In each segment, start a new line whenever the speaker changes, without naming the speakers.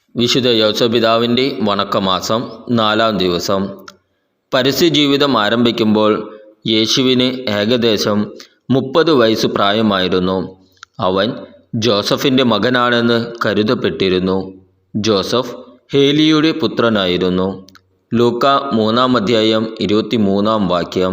വിശുദ്ധ യൗസപിതാവിൻ്റെ വണക്കമാസം 4-ാം ദിവസം. പരസ്യജീവിതം ആരംഭിക്കുമ്പോൾ യേശുവിന് ഏകദേശം 30 വയസ്സ് പ്രായമായിരുന്നു. അവൻ ജോസഫിൻ്റെ മകനാണെന്ന് കരുതപ്പെട്ടിരുന്നു. ജോസഫ് ഹേലിയുടെ പുത്രനായിരുന്നു. ലൂക്കാ 3-ാം അധ്യായം 23-ാം വാക്യം.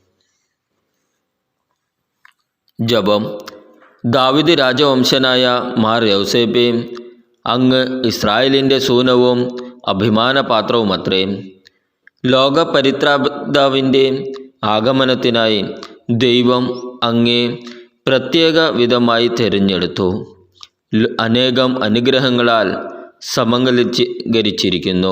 ജപം. ദാവീദ് രാജവംശനായ മാർ യൗസേപ്പേ, അങ്ങ് ഇസ്രായേലിൻ്റെ സൂനവും അഭിമാനപാത്രവുമത്രേ. ലോകപരിത്രാതാവിൻ്റെ ആഗമനത്തിനായി ദൈവം അങ്ങേ പ്രത്യേക വിധമായി തിരഞ്ഞെടുത്തു. അനേകം അനുഗ്രഹങ്ങളാൽ സമങ്കലീകരിച്ചിരിക്കുന്നു.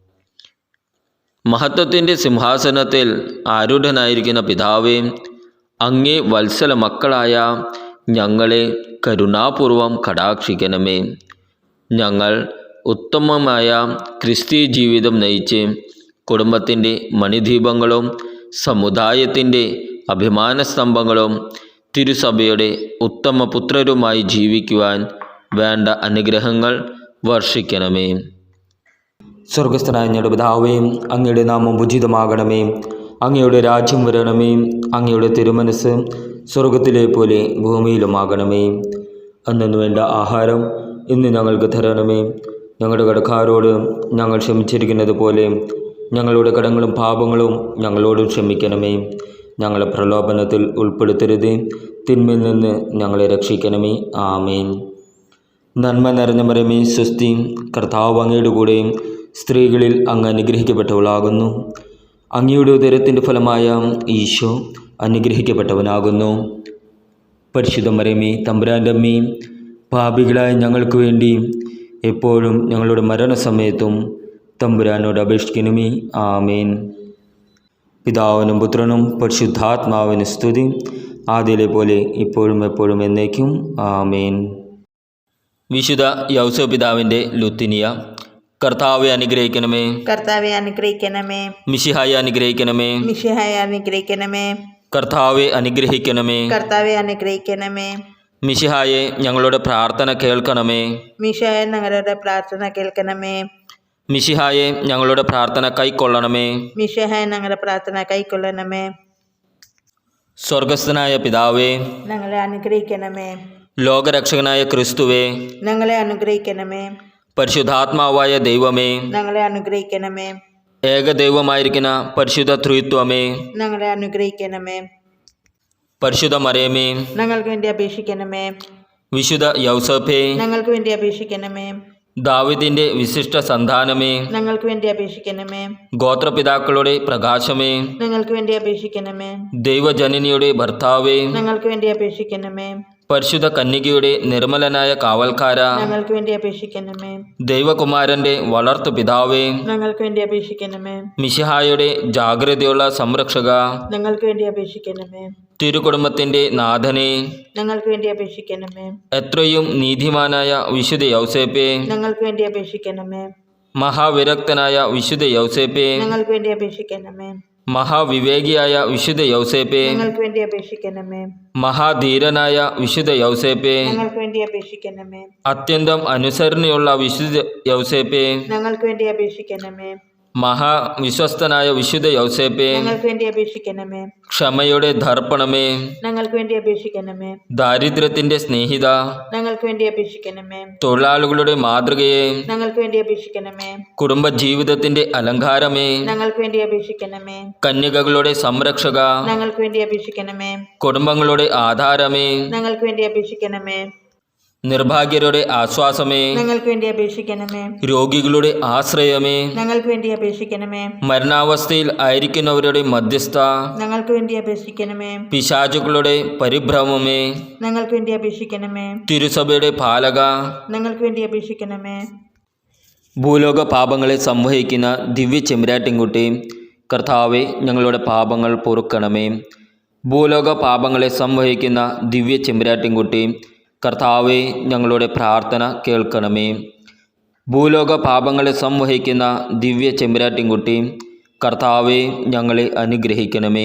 മഹത്വത്തിൻ്റെ സിംഹാസനത്തിൽ ആരൂഢനായിരിക്കുന്ന പിതാവേ, അങ്ങേ വത്സല മക്കളായ ഞങ്ങളെ കരുണാപൂർവം കടാക്ഷിക്കണമേ. ഞങ്ങൾ ഉത്തമമായ ക്രിസ്തീയ ജീവിതം നയിച്ച് കുടുംബത്തിൻ്റെ മണിദീപങ്ങളും സമുദായത്തിൻ്റെ അഭിമാനസ്തംഭങ്ങളും തിരുസഭയുടെ ഉത്തമ പുത്രരുമായി ജീവിക്കുവാൻ വേണ്ട അനുഗ്രഹങ്ങൾ വർഷിക്കണമേ.
സ്വർഗസ്ഥനായ ഞങ്ങളുടെ പിതാവേ, അങ്ങയുടെ നാമം ഉചിതമാകണമേ. അങ്ങയുടെ രാജ്യം വരണമേ. അങ്ങയുടെ തിരുമനസ് സ്വർഗത്തിലെ പോലെ ഭൂമിയിലുമാകണമേ. അന്നു വേണ്ട ആഹാരം ഇന്ന് ഞങ്ങൾക്ക് തരണമേ. ഞങ്ങളുടെ കടക്കാരോട് ഞങ്ങൾ ക്ഷമിച്ചിരിക്കുന്നത് പോലെ ഞങ്ങളുടെ കടങ്ങളും പാപങ്ങളും ഞങ്ങളോട് ക്ഷമിക്കണമേ. ഞങ്ങളെ പ്രലോഭനത്തിൽ ഉൾപ്പെടുത്തരുത്, തിന്മയിൽ നിന്ന് ഞങ്ങളെ രക്ഷിക്കണമേ. ആമേൻ. നന്മ നിറഞ്ഞ മറിയമേ, സ്വസ്തി, കർത്താവ് അങ്ങയുടെ കൂടെ സ്ത്രീകളിൽ അങ്ങ് അനുഗ്രഹിക്കപ്പെട്ടവളാകുന്നു. അങ്ങയുടെ ഉദരത്തിൻ്റെ ഫലമായ ഈശോ അനുഗ്രഹിക്കപ്പെട്ടവനാകുന്നു. പരിശുദ്ധ മറിയമേ, തമ്പുരാൻ്റെ അമ്മേ, പാപികളായ ഞങ്ങൾക്ക് വേണ്ടി എപ്പോഴും ഞങ്ങളുടെ മരണസമയത്തും തമ്പുരാനോട് അപേക്ഷിക്കണമേ. ആമേൻ. പിതാവിനും പുത്രനും പരിശുദ്ധാത്മാവിന് സ്തുതി, ആദ്യയിലെ പോലെ ഇപ്പോഴും എപ്പോഴും എന്നേക്കും. ആമേൻ.
വിശുദ്ധ യൗസപിതാവിൻ്റെ ലുത്തിനിയ. കർത്താവെ അനുഗ്രഹിക്കണമേ.
കർത്താവെ അനുഗ്രഹിക്കണമേ.
മിശിഹായെ അനുഗ്രഹിക്കണമേ.
മിശിഹായെ അനുഗ്രഹിക്കണമേ.
കർത്താവെ അനുഗ്രഹിക്കണമേ.
കർത്താവെ അനുഗ്രഹിക്കണമേ.
മിശിഹായെ ഞങ്ങളുടെ പ്രാർത്ഥന കേൾക്കണമേ.
മിശിഹായെ ഞങ്ങളുടെ പ്രാർത്ഥന കേൾക്കണമേ.
മിശിഹായെ ഞങ്ങളുടെ പ്രാർത്ഥന കൈക്കൊള്ളണമേ.
മിശിഹായെ ഞങ്ങളുടെ പ്രാർത്ഥന കൈക്കൊള്ളണമേ.
സ്വർഗസ്ഥനായ പിതാവേ,
ഞങ്ങളെ അനുഗ്രഹിക്കണമേ.
ലോകരക്ഷകനായ ക്രിസ്തുവേ,
ഞങ്ങളെ അനുഗ്രഹിക്കണമേ.
പരിശുദ്ധാത്മാവായ ദൈവമേ,
ഞങ്ങളെ അനുഗ്രഹിക്കണമേ.
ഏകദൈവമായിരിക്കുന്ന പരിശുദ്ധ ത്രിത്വമേ,
ഞങ്ങളെ അനുഗ്രഹിക്കണമേ.
പരിശുദ്ധ മറിയമേ,
ഞങ്ങൾക്ക് വേണ്ടി അപേക്ഷിക്കണമേ.
വിശുദ്ധ യൗസേപ്പേ,
ഞങ്ങൾക്ക് വേണ്ടി അപേക്ഷിക്കണമേ.
ദാവീദിന്റെ വിശിഷ്ട സന്താനമേ,
ഞങ്ങൾക്ക് വേണ്ടി അപേക്ഷിക്കണമേ.
ഗോത്രപിതാക്കളുടെ പ്രകാശമേ,
ഞങ്ങൾക്ക് വേണ്ടി അപേക്ഷിക്കണമേ.
ദൈവജനനിയുടെ ഭർത്താവേ,
ഞങ്ങൾക്ക് വേണ്ടി അപേക്ഷിക്കണമേ.
പരിശുദ്ധ കന്യകയുടെ നിർമ്മലനായ കാവൽക്കാര,
ഞങ്ങൾക്ക് വേണ്ടി അപേക്ഷിക്കണമേ.
ദൈവകുമാരന്റെ വളർത്തു പിതാവേ,
ഞങ്ങൾക്ക് വേണ്ടി അപേക്ഷിക്കണമേ.
മിശിഹായുടെ ജാഗ്രതയുള്ള സംരക്ഷക,
ഞങ്ങൾക്ക് വേണ്ടി അപേക്ഷിക്കണമേ.
തിരുകുടുംബത്തിന്റെ നാഥനെ,
ഞങ്ങൾക്ക് വേണ്ടി അപേക്ഷിക്കണമേ.
എത്രയും നീതിമാനായ വിശുദ്ധ യൗസേപ്പേ,
ഞങ്ങൾക്ക് വേണ്ടി അപേക്ഷിക്കണമേ.
മഹാവിരക്തനായ വിശുദ്ധ യൗസേപ്പേ,
ഞങ്ങൾക്ക് വേണ്ടി അപേക്ഷിക്കണമേ.
മഹാവിവേകിയായ വിശുദ്ധ യൗസേപ്പേ,
ഞങ്ങൾക്ക് വേണ്ടി അപേക്ഷിക്കണമേ.
മഹാധീരനായ വിശുദ്ധ യൗസേപ്പേ,
ഞങ്ങൾക്ക് വേണ്ടി അപേക്ഷിക്കണമേ.
അത്യന്തം അനുസരണയുള്ള വിശുദ്ധ യൗസേപ്പേ,
ഞങ്ങൾക്ക് വേണ്ടി അപേക്ഷിക്കണമേ.
മഹാവിശ്വസ്തനായ വിശുദ്ധ യൗസേപ്പേ,
ഞങ്ങൾക്ക് വേണ്ടി അപേക്ഷിക്കണമേ.
ക്ഷമയുടെ ദർപ്പണമേ,
ഞങ്ങൾക്ക് വേണ്ടി അപേക്ഷിക്കണമേ.
ദാരിദ്ര്യത്തിന്റെ സ്നേഹിത,
ഞങ്ങൾക്ക് വേണ്ടി അപേക്ഷിക്കണമേ.
തൊഴിലാളികളുടെ മാതൃകയെ,
ഞങ്ങൾക്ക് വേണ്ടി അപേക്ഷിക്കണമേ.
കുടുംബജീവിതത്തിന്റെ അലങ്കാരമേ,
ഞങ്ങൾക്ക് വേണ്ടി അപേക്ഷിക്കണമേ.
കന്യകകളുടെ സംരക്ഷക,
ഞങ്ങൾക്ക് വേണ്ടി അപേക്ഷിക്കണമേ.
കുടുംബങ്ങളുടെ ആധാരമേ,
ഞങ്ങൾക്ക് വേണ്ടി അപേക്ഷിക്കണമേ.
നിർഭാഗ്യരുടെ ആശ്വാസമേ,
ഞങ്ങൾക്ക് വേണ്ടി അപേക്ഷിക്കണമേ.
രോഗികളുടെ ആശ്രയമേ,
ഞങ്ങൾക്ക് വേണ്ടി അപേക്ഷിക്കണമേ.
മരണാവസ്ഥയിൽ ആയിരിക്കുന്നവരുടെ മധ്യസ്ഥ,
ഞങ്ങൾക്ക് വേണ്ടി അപേക്ഷിക്കണമേ.
പിശാചുക്കളുടെ പരിഭ്രമമേ,
ഞങ്ങൾക്ക് വേണ്ടി അപേക്ഷിക്കണമേ.
തിരുസഭയുടെ പാലക,
ഞങ്ങൾക്ക് വേണ്ടി അപേക്ഷിക്കണമേ.
ഭൂലോക പാപങ്ങളെ സംവഹിക്കുന്ന ദിവ്യ ചെമ്പരാട്ടിൻകുട്ടി, കർത്താവെ ഞങ്ങളുടെ പാപങ്ങൾ പൊറുക്കണമേ. ഭൂലോക പാപങ്ങളെ സംവഹിക്കുന്ന ദിവ്യ ചെമ്പരാട്ടിൻകുട്ടി, കർത്താവെ ഞങ്ങളുടെ പ്രാർത്ഥന കേൾക്കണമേ. ഭൂലോക പാപങ്ങളെ സംവഹിക്കുന്ന ദിവ്യ ചെമ്പരാട്ടിൻകുട്ടി, കർത്താവെ ഞങ്ങളെ അനുഗ്രഹിക്കണമേ.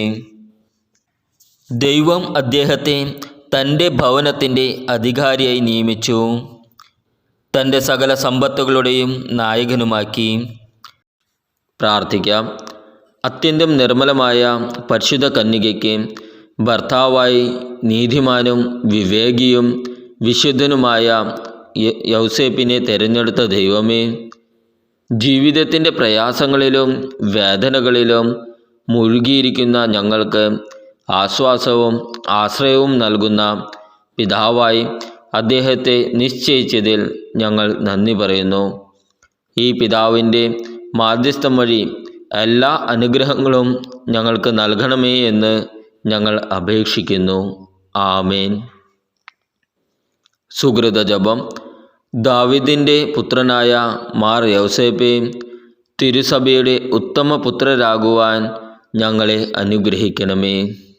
ദൈവം അദ്ദേഹത്തെ തൻ്റെ ഭവനത്തിൻ്റെ അധികാരിയായി നിയമിച്ചു. തൻ്റെ സകല സമ്പത്തുകളുടെയും നായകനുമാക്കി. പ്രാർത്ഥിക്കാം. അത്യന്തം നിർമ്മലമായ പരിശുദ്ധ കന്യകയ്ക്ക് ഭർത്താവായി നീതിമാനും വിവേകിയും വിശുദ്ധനുമായ യൗസേപ്പിനെ തിരഞ്ഞെടുത്ത ദൈവമേ, ജീവിതത്തിൻ്റെ പ്രയാസങ്ങളിലും വേദനകളിലും മുഴുകിയിരിക്കുന്ന ഞങ്ങൾക്ക് ആശ്വാസവും ആശ്രയവും നൽകുന്ന പിതാവായി അദ്ദേഹത്തെ നിശ്ചയിച്ചതിൽ ഞങ്ങൾ നന്ദി പറയുന്നു. ഈ പിതാവിൻ്റെ മാധ്യസ്ഥം വഴി എല്ലാ അനുഗ്രഹങ്ങളും ഞങ്ങൾക്ക് നൽകണമേ എന്ന് ഞങ്ങൾ അപേക്ഷിക്കുന്നു. ആമേൻ. സുകൃത ജപം. ദാവീദിൻ്റെ പുത്രനായ മാർ യൗസേപ്പേ, തിരുസഭയുടെ ഉത്തമ പുത്രരാകുവാൻ ഞങ്ങളെ അനുഗ്രഹിക്കണമേ.